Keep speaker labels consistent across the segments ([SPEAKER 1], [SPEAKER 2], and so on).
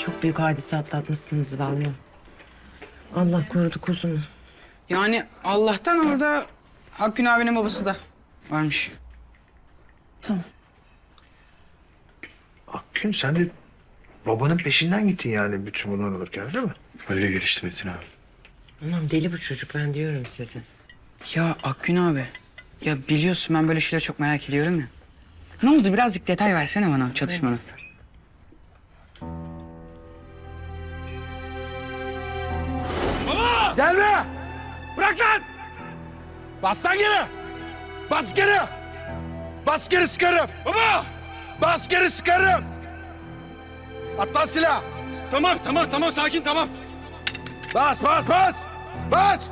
[SPEAKER 1] Çok büyük hadise atlatmışsınız vallahi. Allah korudu kuzunu.
[SPEAKER 2] Yani Allah'tan orada Akgün abinin babası da varmış.
[SPEAKER 1] Tamam.
[SPEAKER 3] Akgün sen de babanın peşinden gittin yani bütün bunlar olurken değil mi?
[SPEAKER 4] Öyle gelişti Metin abi.
[SPEAKER 1] Anam deli bu çocuk ben diyorum size.
[SPEAKER 2] Ya Akgün abi, ya biliyorsun ben böyle şeyleri çok merak ediyorum ya. Ne oldu? Birazcık detay versene bana çatışmanın.
[SPEAKER 3] Gelme! Bırak lan! Bas lan geri! Bas geri! Bas geri sıkarım!
[SPEAKER 4] Baba!
[SPEAKER 3] Bas geri sıkarım! At lan silah!
[SPEAKER 4] Tamam sakin tamam.
[SPEAKER 3] Bas! Bas!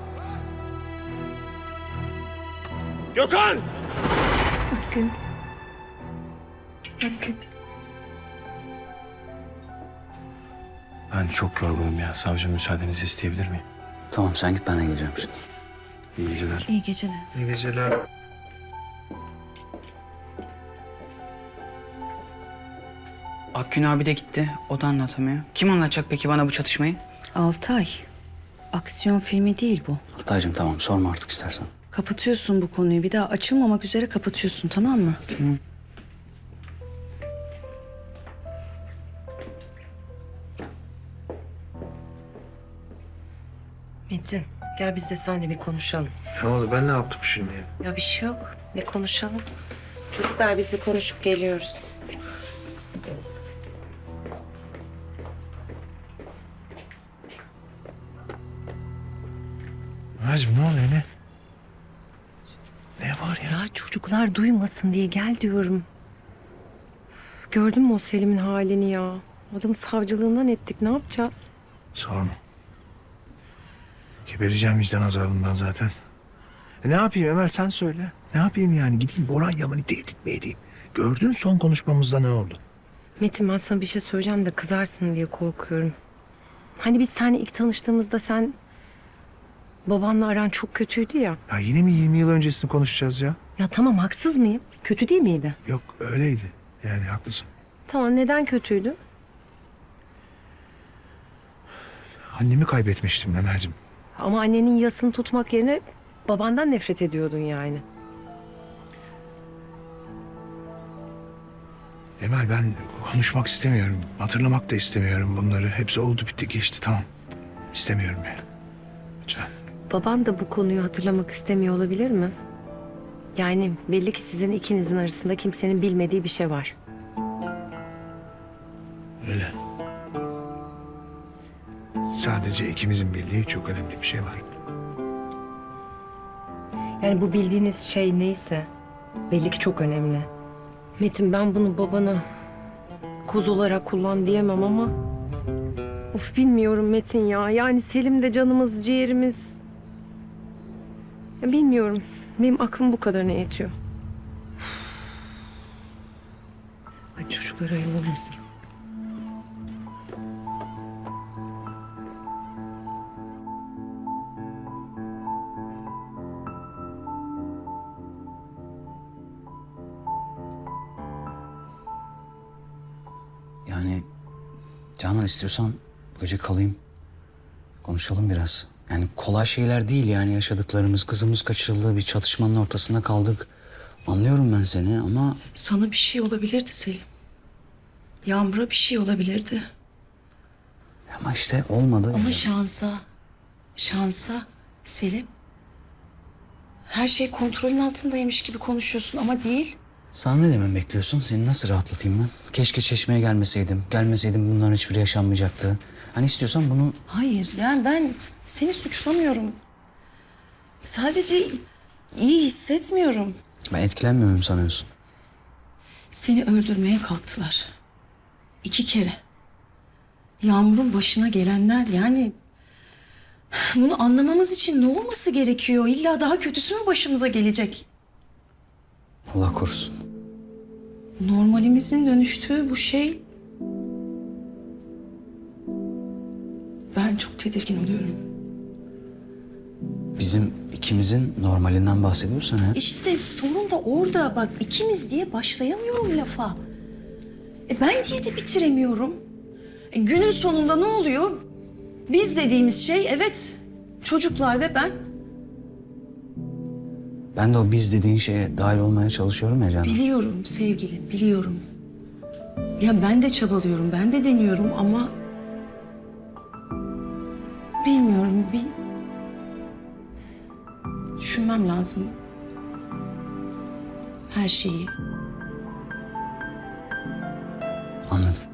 [SPEAKER 4] Gökhan! Ben çok yorgunum ya. Savcı müsaadenizi isteyebilir miyim?
[SPEAKER 5] Tamam sen git ben de geleceğim şimdi.
[SPEAKER 4] İyi geceler.
[SPEAKER 6] İyi geceler.
[SPEAKER 3] İyi geceler.
[SPEAKER 2] Akgün abi de gitti. O da anlatamıyor. Kim anlatacak peki bana bu çatışmayı?
[SPEAKER 6] Altay, aksiyon filmi değil bu.
[SPEAKER 5] Altaycığım tamam sorma artık istersen.
[SPEAKER 6] Kapatıyorsun bu konuyu. Bir daha açılmamak üzere kapatıyorsun, tamam mı?
[SPEAKER 2] Tamam.
[SPEAKER 1] Metin gel biz de seninle bir konuşalım.
[SPEAKER 3] Ne oldu ben ne yaptım şimdi?
[SPEAKER 1] Ya bir şey yok. Bir konuşalım. Çocuklar biz bir konuşup geliyoruz.
[SPEAKER 3] Nazım ne oluyor ne? Ne var ya?
[SPEAKER 1] Ya çocuklar duymasın diye gel diyorum. Gördün mü o Selim'in halini ya? Adamı savcılığından ettik. Ne yapacağız?
[SPEAKER 3] Sorma. Gebereceğim vicdan azabından zaten. Ne yapayım Emel sen söyle. Ne yapayım yani gideyim Boran Yaman'ı tehdit mi edeyim? Gördün son konuşmamızda ne oldu?
[SPEAKER 1] Metin ben sana bir şey söyleyeceğim de kızarsın diye korkuyorum. Hani biz seninle ilk tanıştığımızda sen... Babanla aran çok kötüydü ya.
[SPEAKER 3] Ya yine mi 20 yıl öncesini konuşacağız ya?
[SPEAKER 1] Ya tamam haksız mıyım? Kötü değil miydi?
[SPEAKER 3] Yok öyleydi. Yani haklısın.
[SPEAKER 1] Tamam neden kötüydü?
[SPEAKER 3] Annemi kaybetmiştim Emel'cim.
[SPEAKER 1] Ama annenin yasını tutmak yerine babandan nefret ediyordun yani.
[SPEAKER 3] Emel ben konuşmak istemiyorum. Hatırlamak da istemiyorum bunları. Hepsi oldu bitti geçti tamam. İstemiyorum yani. Lütfen.
[SPEAKER 1] Baban da bu konuyu hatırlamak istemiyor olabilir mi? Yani belli ki sizin ikinizin arasında kimsenin bilmediği bir şey var.
[SPEAKER 3] Öyle. Sadece ikimizin bildiği çok önemli bir şey var.
[SPEAKER 1] Yani bu bildiğiniz şey neyse belli ki çok önemli. Metin ben bunu babana koz olarak kullan diyemem ama... Of bilmiyorum Metin ya. Yani Selim de canımız, ciğerimiz. Ya bilmiyorum. Benim aklım bu kadarına yetiyor. Ay çocuklar ayıp olmasın.
[SPEAKER 5] Yani Canan istiyorsan bu gece kalayım. Konuşalım biraz. Yani kolay şeyler değil yani yaşadıklarımız. Kızımız kaçırıldı, bir çatışmanın ortasında kaldık. Anlıyorum ben seni ama...
[SPEAKER 6] Sana bir şey olabilirdi Selim. Yağmur'a bir şey olabilirdi.
[SPEAKER 5] Ama işte olmadı.
[SPEAKER 6] Ama şansa Selim. Her şey kontrolün altındaymış gibi konuşuyorsun ama değil.
[SPEAKER 5] Sana ne demem bekliyorsun? Seni nasıl rahatlatayım ben? Keşke Çeşme'ye gelmeseydim. Gelmeseydim bunların hiçbiri yaşanmayacaktı. Hani istiyorsan bunu...
[SPEAKER 6] Hayır yani ben seni suçlamıyorum. Sadece iyi hissetmiyorum.
[SPEAKER 5] Ben etkilenmiyorum sanıyorsun.
[SPEAKER 6] Seni öldürmeye kalktılar. 2 kere. Yağmur'un başına gelenler yani... Bunu anlamamız için ne olması gerekiyor? İlla daha kötüsü mü başımıza gelecek?
[SPEAKER 5] Allah korusun.
[SPEAKER 6] Normalimizin dönüştüğü bu şey... Ben çok tedirgin oluyorum.
[SPEAKER 5] Bizim ikimizin normalinden bahsediyorsan eğer...
[SPEAKER 6] İşte sorun da orada. Bak ikimiz diye başlayamıyorum lafa. Ben diye de bitiremiyorum. Günün sonunda ne oluyor? Biz dediğimiz şey evet çocuklar ve ben.
[SPEAKER 5] Ben de o biz dediğin şeye dahil olmaya çalışıyorum ya Canan.
[SPEAKER 6] Biliyorum sevgilim, biliyorum. Ya ben de çabalıyorum, ben de deniyorum ama... Bilmiyorum, düşünmem lazım. Her şeyi.
[SPEAKER 5] Anladım.